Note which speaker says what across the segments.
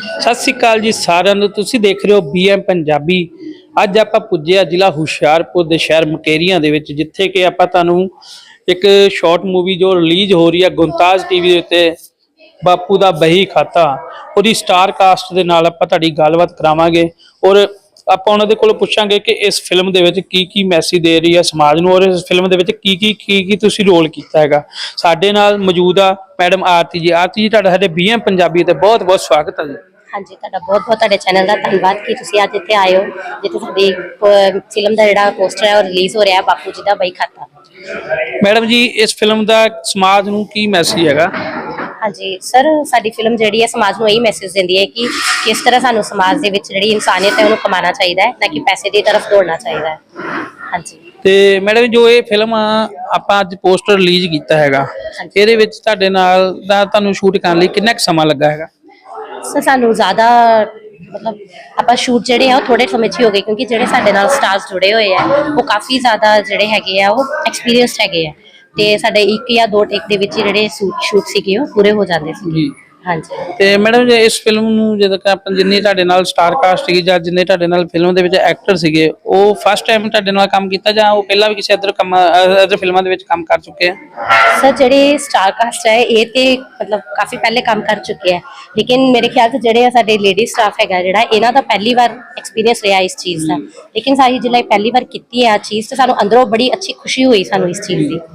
Speaker 1: सत श्री अकाल जी सारिਆਂ ਨੂੰ। ਤੁਸੀਂ ਦੇਖ ਰਹੇ ਹੋ BM ਪੰਜਾਬੀ। ਅੱਜ ਆਪਾਂ ਪੁੱਜੇ ਆ ਜ਼ਿਲ੍ਹਾ ਹੁਸ਼ਿਆਰਪੁਰ ਦੇ ਸ਼ਹਿਰ ਮੁਕੇਰੀਆਂ ਦੇ ਵਿੱਚ, ਜਿੱਥੇ ਕਿ ਆਪਾਂ ਤੁਹਾਨੂੰ ਇੱਕ ਸ਼ਾਰਟ ਮੂਵੀ ਜੋ ਰਿਲੀਜ਼ ਹੋ ਰਹੀ ਹੈ ਗੁਮਤਾਜ਼ ਟੀਵੀ ਦੇ ਉੱਤੇ, ਬਾਪੂ ਦਾ ਬਹੀ ਖਾਤਾ, ਉਹਦੀ ਸਟਾਰ ਕਾਸਟ ਦੇ ਨਾਲ ਆਪਾਂ ਤੁਹਾਡੀ ਗੱਲਬਾਤ ਕਰਾਵਾਂਗੇ ਔਰ ਆਪਾਂ ਉਹਨਾਂ ਦੇ ਕੋਲੋਂ ਪੁੱਛਾਂਗੇ ਕਿ ਇਸ ਫਿਲਮ ਦੇ ਵਿੱਚ ਕੀ ਮੈਸੇਜ ਦੇ ਰਹੀ ਹੈ ਸਮਾਜ ਨੂੰ, ਔਰ ਇਸ ਫਿਲਮ ਦੇ ਵਿੱਚ ਕੀ ਤੁਸੀਂ ਰੋਲ ਕੀਤਾ ਹੈਗਾ। ਸਾਡੇ ਨਾਲ ਮੌਜੂਦ ਆ ਮੈਡਮ ਆਰਤੀ ਜੀ। ਆਰਤੀ ਜੀ, ਤੁਹਾਡਾ ਸਾਡੇ BM ਪੰਜਾਬੀ ਤੇ ਬਹੁਤ ਬਹੁਤ ਸਵਾਗਤ ਹੈ ਜੀ।
Speaker 2: हाँ जी, बहुत बहुत तुहाडे चैनल का धन्यवाद कि तुसीं अज इत्थे आए हो, जिथे साडी फिल्म का जिहड़ा पोस्टर है वो रिलीज़ हो रहा है, बापू जी का बही खाता।
Speaker 1: मैडम जी, इस फिल्म का समाज नूं की मैसेज हैगा?
Speaker 2: हाँ जी सर, साडी फिल्म जिहड़ी है समाज नूं यही मैसेज दिंदी है कि किस तरह सानूं समाज दे विच जिहड़ी इंसानियत है उहनूं कमाना चाहिए, ना कि पैसे की तरफ दौड़ना चाहिए। हाँ जी। ते
Speaker 1: मैडम जो ये फिल्म ਆਪਾਂ ਅੱਜ पोस्टर रिलीज़ ਕੀਤਾ ਹੈਗਾ, ਇਹਦੇ ਵਿੱਚ ਤੁਹਾਡੇ ਨਾਲ ਦਾ ਤੁਹਾਨੂੰ ਸ਼ੂਟ ਕਰਨ ਲਈ ਕਿੰਨਾ ਕੁ ਸਮਾਂ ਲੱਗਾ ਹੈਗਾ?
Speaker 2: सर सानू ज़्यादा मतलब आप शूट जोड़े हैं थोड़े समय ही हो गए, क्योंकि जोड़े साडे नाल स्टार्स जुड़े हुए हैं वो काफ़ी ज़्यादा जोड़े हैगे आ वो एक्सपीरियंसड हैगे आ, ते साडे एक या दो टेक दे विच जिहड़े शूट सीगे वो पूरे हो जाते सी। हाँ जी। ते
Speaker 1: मैडम जी, इस फिल्म नूं जदों कि आपां जिन्नी तुहाडे नाल स्टार कास्ट सीगी जां जिन्ने तुहाडे नाल फिल्म दे विच एक्टर सीगे, वो फर्स्ट टाइम तुहाडे नाल काम कीता जां वो पहला भी किसी अदर फिल्मां दे विच काम कर चुके हैं?
Speaker 2: सर जिहड़े स्टार कास्ट है ये ते मतलब काफ़ी पहले काम कर चुके हैं, लेकिन मेरे ख्याल से जिहड़े साडे लेडी स्टाफ हैगा जिहड़ा इन्हां दा पहली बार एक्सपीरियंस रहा इस चीज़ का, लेकिन सारी जिल्ले पहली बार कीती है चीज़ तो सानू अंदरों बड़ी अच्छी खुशी हुई सानू इस चीज़ की।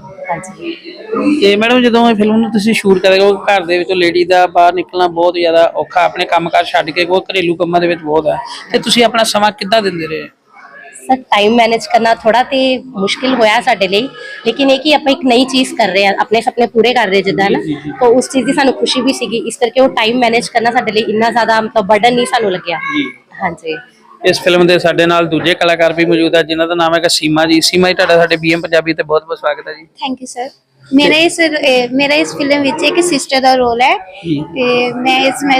Speaker 1: ਤੇ ਮੈਡਮ ਜਦੋਂ ਇਹ ਫਿਲਮ ਨੂੰ ਤੁਸੀਂ ਸ਼ੂਟ ਕਰਦੇ ਹੋ, ਘਰ ਦੇ ਵਿੱਚੋਂ ਲੇਡੀ ਦਾ ਬਾਹਰ ਨਿਕਲਣਾ ਬਹੁਤ ਜ਼ਿਆਦਾ ਔਖਾ, ਆਪਣੇ ਕੰਮਕਾਰ ਛੱਡ ਕੇ ਕੋਈ ਘਰੇਲੂ ਕੰਮਾਂ ਦੇ ਵਿੱਚ ਬਹੁਤ ਹੈ, ਤੇ ਤੁਸੀਂ ਆਪਣਾ ਸਮਾਂ ਕਿੱਦਾਂ ਦਿੰਦੇ ਰਹੇ?
Speaker 2: सर टाइम मैनेज करना थोड़ा तो मुश्किल होया साडे लिए, लेकिन एक ही आप एक नई चीज़ कर रहे हैं, अपने सपने पूरे कर रहे जिद्दां ना, तो उस चीज़ की सानू खुशी भी सीगी, इस करके वो टाइम मैनेज करना साडे लिए इन्ना ज़्यादा मतलब बर्डन नहीं सानू लग्या। हाँ जी।
Speaker 1: इस फिल्म के साडे नाल दूजे कलाकार भी मौजूद है जिन्हां दा नाम है सीमा जी। सीमा जी, तुहाडा साडे BM पंजाबी ते बहुत बहुत स्वागत है जी।
Speaker 3: Thank you sir. मेरा इस फिल्म विच एक सिस्टर का रोल है, ते मैं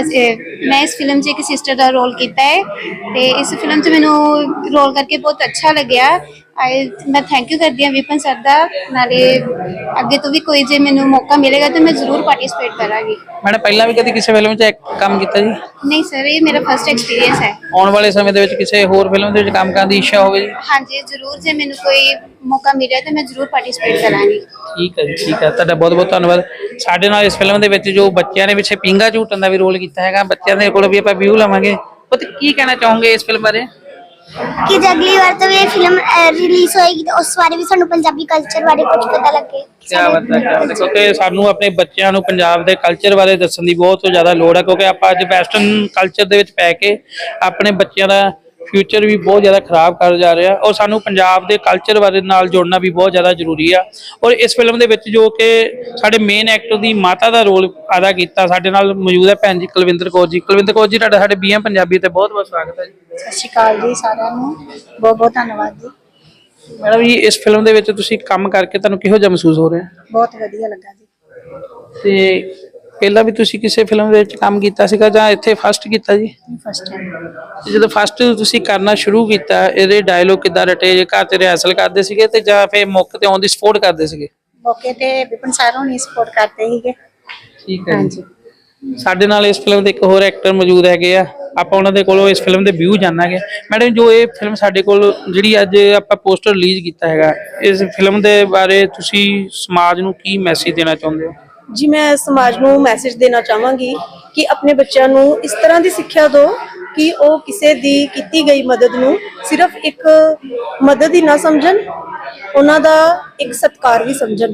Speaker 3: इस फिल्म च एक सिस्टर का रोल किया है, ते इस फिल्म च मैनू रोल करके बहुत अच्छा लग्या। मैं थैंक यू करती हूँ विपिन सर का, नाले अगे तो भी कोई जे मैनू मौका मिलेगा तो मैं जरूर पार्टिसिपेट करांगी।
Speaker 1: मैडम पहला भी कभी किसी फिल्म च काम किया जी?
Speaker 3: नहीं सर, ये मेरा फर्स्ट एक्सपीरियंस है।
Speaker 1: आने वाले समय दे विच किसी होर फिल्म दे विच काम करने की इच्छा होवे जी?
Speaker 3: हाँ जी जरूर, जे मैनू कोई मौका मिले तो मैं जरूर पार्टिसिपेट करांगी।
Speaker 1: ठीक है जी, ठीक है, तुहाडा बहुत बहुत धन्यवाद। साडे नाल इस फिल्म दे विच जो बच्चों ने पिछे पींगा झूटन का भी रोल किया है, बच्चों के कोल भी आपां व्यू लवांगे, तो की कहना चाहोगे इस फिल्म बारे?
Speaker 4: कि अगली बार तो ये फिल्म रिलीज होएगी तो उस बारे भी सानू पंजाबी कल्चर बारे कुछ पता लगे।
Speaker 1: क्या बात है, क्योंकि सानू अपने बच्चों को पंजाब के कल्चर बारे दस्सण दी बहुत ज़्यादा लोड़ है, क्योंकि आप अज वैसटर्न कल्चर दे विच पै के अपने बच्चों का फ्यूचर भी बहुत ज़्यादा खराब कर जा रहा है, और सानू पंजाब के कल्चर बारे नाल जोड़ना भी बहुत ज़्यादा जरूरी है। और इस फिल्म दे विच जो कि साडे मेन एक्टर की माता का रोल अदा किया, साडे नाल मौजूद है भैन जी कुलविंदर कौर जी। कुलविंदर कौर जी, तुहाडा साडे BM पंजाबी ते बहुत बहुत स्वागत है जी।
Speaker 3: सत श्री अकाल जी सारिਆਂ ਨੂੰ, बहुत बहुत धन्यवाद जी।
Speaker 1: मैडम जी, इस फिल्म दे विच तुसीं काम करके तुहानूं किहो जिहा महसूस हो रहा है?
Speaker 3: बहुत वधिया लगा जी।
Speaker 1: ते पहला भी तुसीं किसी फिल्म दे विच काम कीता सीगा जां इत्थे फर्स्ट कीता जी?
Speaker 3: First time.
Speaker 1: ਜਦੋਂ ਫਸਟ ਤੁਸੀਂ ਕਰਨਾ ਸ਼ੁਰੂ ਕੀਤਾ, ਇਹਦੇ ਡਾਇਲੋਗ ਕਿੱਦਾਂ ਰਟੇ, ਜੇ ਘਰ ਤੇ ਰਿਹਰਸਲ ਕਰਦੇ ਸੀਗੇ ਤੇ ਜਾਂ ਫਿਰ ਮੌਕੇ ਤੇ ਔਨ ਦੀ ਸਪੋਰਟ ਕਰਦੇ ਸੀਗੇ?
Speaker 3: मौके ते विपिन सर होनी सपोर्ट करते ही।
Speaker 1: ਠੀਕ ਹੈ ਜੀ। ਸਾਡੇ ਨਾਲ ਇਸ ਫਿਲਮ ਦੇ ਇੱਕ ਹੋਰ ਐਕਟਰ ਮੌਜੂਦ ਹੈਗੇ ਆ, ਆਪਾਂ ਉਹਨਾਂ ਦੇ ਕੋਲੋਂ ਇਸ ਫਿਲਮ ਦੇ ਵਿਊ ਜਾਣਾਂਗੇ। ਮੈਡਮ, ਜੋ ਇਹ ਫਿਲਮ ਸਾਡੇ ਕੋਲ ਜਿਹੜੀ ਅੱਜ ਆਪਾਂ ਪੋਸਟਰ ਰਿਲੀਜ਼ ਕੀਤਾ ਹੈਗਾ, ਇਸ ਫਿਲਮ ਦੇ ਬਾਰੇ ਤੁਸੀਂ ਸਮਾਜ ਨੂੰ ਕੀ ਮੈਸੇਜ ਦੇਣਾ ਚਾਹੁੰਦੇ ਹੋ?
Speaker 5: जी मैं समाज को मैसेज देना चाहांगी कि अपने बच्चों को इस तरह की सिक्ख्या दो कि वह किसी दी की गई मदद नूं सिर्फ एक मदद ही ना समझन, उन्हां दा एक सत्कार भी समझन,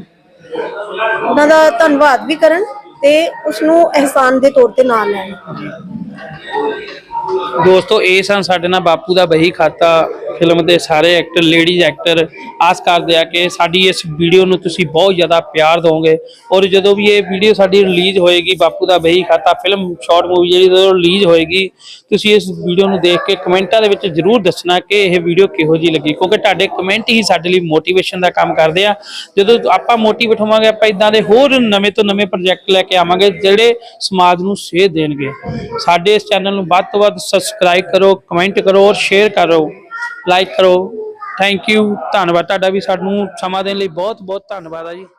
Speaker 5: उन्हां दा धन्नवाद भी करन ते उसनूं एहसान दे तौर ते ना लैण।
Speaker 1: दोस्तों, ये सन साडे नाल बापू दा बही खाता फिल्म के सारे एक्टर, लेडीज एक्टर। आस करते हैं कि साडी इस वीडियो नूं तुसीं बहुत ज़्यादा प्यार दोगे, और जो भी ये वीडियो साडी रिलीज़ होएगी बापू Da Bahi Khata film short movie जी रिलीज़ होएगी, तुसीं इस वीडियो नूं देख के कमेंटां दे विच जरूर दसना कि यह वीडियो किहो जी लगी, क्योंकि तुहाडे कमेंट ही साडे लई मोटिवेशन का काम करते हैं। जो आपां मोटिवेट होवांगे, आपां इदां दे होर नवें तो नवें प्रोजैक्ट लैके आवांगे जिहड़े समाज नूं सेध देणगे। साडे इस चैनल नूं वध तो वध सबसक्राइब करो, कमेंट करो और शेयर करो, लाइक करो। थैंक यू, धन्नवाद। तुहाडा भी सानूं सਮਾਂ देਣ ਲਈ बहुत बहुत धन्नवाद है जी।